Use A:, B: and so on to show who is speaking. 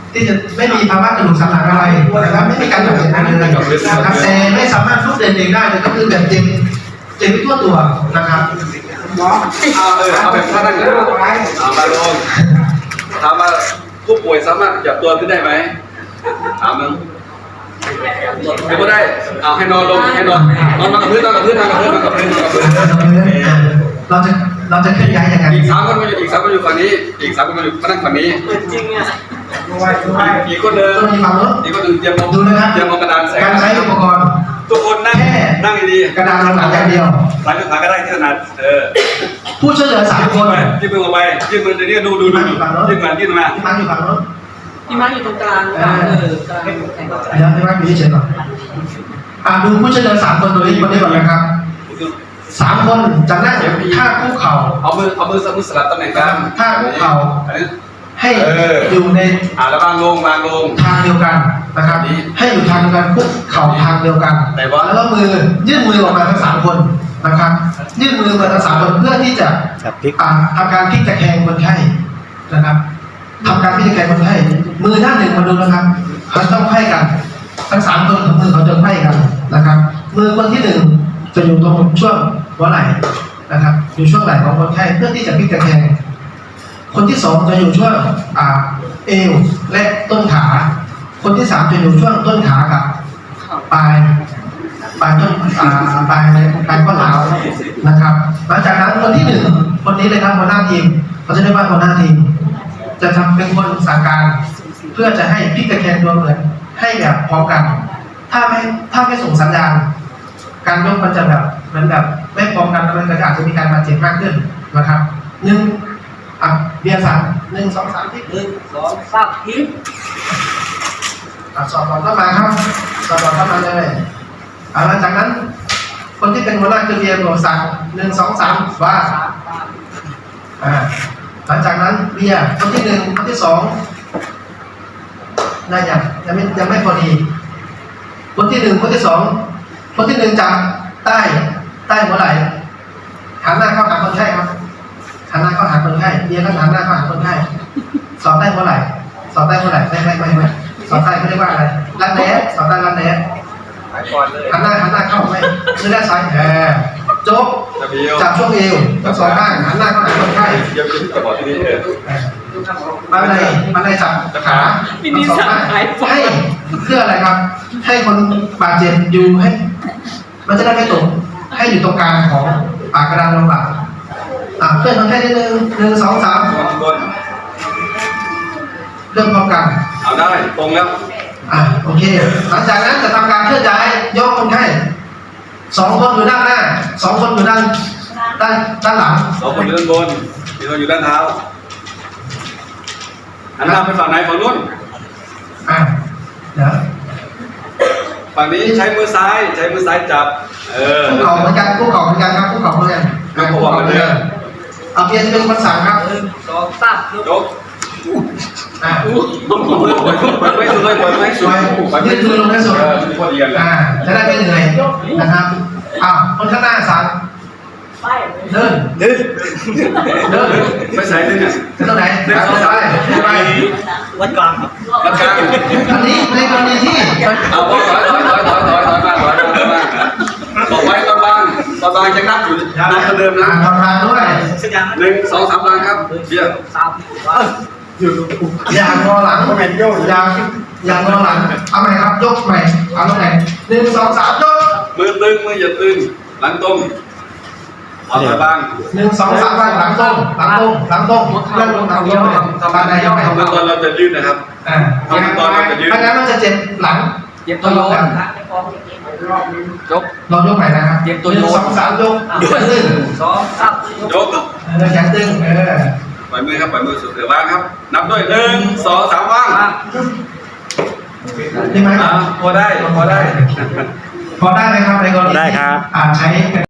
A: ที่จะไม่มีภาวะกระดูกสันหลังอะไรนะครับไม่มีการบาดเจ็บอะไรเลยนะครับแต่ไม่สามารถลุกเดินเองได้เลยก็คือแบบเจ็บไปทั่วตัวนะครับ
B: เอาแบบท่านั่งเลยมาลงถามว่าผู้ป่วยสามารถจับตัวขึ้นได้ไหมถามมึงไม่ได้เอาให้นอนลงให้นอนกับพื้น
A: เราจะเคลื่อนย้ายยังไง
B: อีก3 คนมาอยู่ฝั่งนี้อีก3 คนมาอยู่มานั่งฝั่งนี้
C: จริงอ่ะ
B: อีกคนเดินเตรียมมองกระดาน
A: การใช้อุปกรณ์
B: ทุกคนนั่งดี
A: กระดานเราหนาอย่างเดียว
B: หลังขาก็ได้ที่ถนัด
A: ผู้ช่วยเหลือ3 คน
B: ยื่นมือออกไปยื่นมือเดี๋ยวดูยื่นมา
A: ที่มังอยู่ฝั่งโน้น
C: พี่มังอยู่ตรงกลาง
A: เดี๋ยวพี่มังอยู่เฉยๆก่อนดูผู้ช่วยเหลือ3 คนตัวนี้ก่อนนะครับ3 คนจะนั่งท่าคุกเข่า
B: เอามือสลับตำแหน่งกัน
A: ท่าคุกเข่าให้อยู่ใน
B: แล้ววางลง
A: ทางเดียวกันนะครับให้อยู่ทางเดียวกันคุกเข่าทางเดียวกันแล้วก็ยื่นมือออกมาทั้ง3 คนนะครับยื่นมือมาทั้ง3 คนเพื่อที่จะทำการพลิกตะแคงคนไข้นะครับทำการพลิกตะแคงคนไข้มือด้านหนึ่งมาดูนะครับเขาต้องไขว้กันทั้ง3 คนของมือเขาจะไขว้กันนะครับมือคนที่1จะอยู่ตรงช่วงหัวไหล่นะครับอยู่ช่วงไหล่ของคนไข้เพื่อที่จะพลิกตะแคงคนที่2จะอยู่ช่วงเอวและต้นขาคนที่3จะอยู่ช่วงต้นขากับปลายต้นปลายข้อเท้านะครับหลังจากนั้นคนที่1คนนี้เลยครับหัวหน้าทีมเขาจะเรียกว่าหัวหน้าทีมจะทำเป็นคนสั่งการเพื่อจะให้พลิกตะแคงตัวเหมือนให้แบบพร้อมกันถ้าไม่ส่งสัญญาณการยกมันจะแบบเหมือนแบบไม่พร้อมกันมันก็อาจจะมีการบาดเจ็บมากขึ้นนะครับเบียร์สั่ง1 2 3ทิศ
C: 1 2 3ทิศ
A: สอบก่อนเข้ามาครับสอบก่อนเข้ามาเลยหลังจากนั้นคนที่เป็นหัวหน้าคือเบียร์บอกสั่ง1 2 3ว่าหลังจากนั้นเบียร์คนที่1คนที่2น่ายังไม่พอดีคนที่1คนที่2คนที่1จับใต้หัวไหล่หันหน้าเข้าหาคนไข้ครับหันหน้าเข้าหาคนไข้เบียร์ก็หันหน้าเข้าหาคนไข้สอบได้เมื่อไหร่ไม่สอบได้เขาเรียกว่าอะไรรันแหนสอบได้รันแหนหันหน้าเข้าไหมมือด้านซ้ายโจ๊กจับช่วงเอวทั้ง2 ข้างหันหน้าเข้าหาคนไข้มันได้จับขาทั้ง2 ข้างให้เพื่ออะไรครับให้คนบาดเจ็บอยู่ให้มันจะได้ไม่ตกให้อยู่ตรงกลางของปากกระดานรองหลังเพื่อนคนไข้ได้1 2 3เริ่มพร้อมกัน
B: เอาได้ตรงแล้ว
A: โอเคหลังจากนั้นจะทำการเคลื่อนย้ายยกคนไข้2 คนอยู่ด้านหน้า2 คนอยู่ด้านหลัง
B: 2 คนอยู่ด้านบน1 คนอยู่ด้านเท้าหันหน้าไปฝั่งไหนฝั่งนู้น
A: เดี๋ยว
B: ฝั่งนี้ใช้มือซ้ายจับ
A: คุกเข่าเหมือนกันครับคุกเข่าเหมือนกัน
B: ก็บอกกันเลย
A: เพียรจะเป็นคนสั่งครับ
C: 1 2 3
B: ยกไม่สวย
A: ยืดมือลงให้สุดจะได้ไม่เหนื่อยนะครับคนข้างหน้าสั่งเดิน
B: ไม่ใส่เลยเนี่ย
A: ตรงไหนไป
C: วัดกลาง
A: อันนี้ในกรณีที่
B: เอาถอยมาบอกไว้ตอนบางยังนับอยู่นับเดิมนะ
A: ทำงานด้วย
B: 1 2 3 บางครับเดี๋ยว
A: อย่างงอหลังอย่างงอหลังเอาใหม่ครับยกใหม่เอาตรงไหน1 2 3ยก
B: มือตึงมืออย่าตึงหลังตรงเอาไปบ้าง
A: 1 2 3บ้างหลังตรงเลื่อนลงทางเดียวทำอะไรยังไง
B: ขั้นตอนเราจะยืดนะครับขั้นตอนเราจะยืด
A: ไม่งั้นมันจะเจ็บหลัง
C: ตัวโยน
A: เรายกใหม่นะครับ1 2 3ยก
C: 1 2 3
B: ยก
A: แขนตึง
B: ปล่อยมือสุดเดี๋ยววางครับนับด้วย1 2 3วาง
A: ได้ไหม
B: พอได้
A: ไหมครับในกรณี
D: ได้ครับ
A: ใช้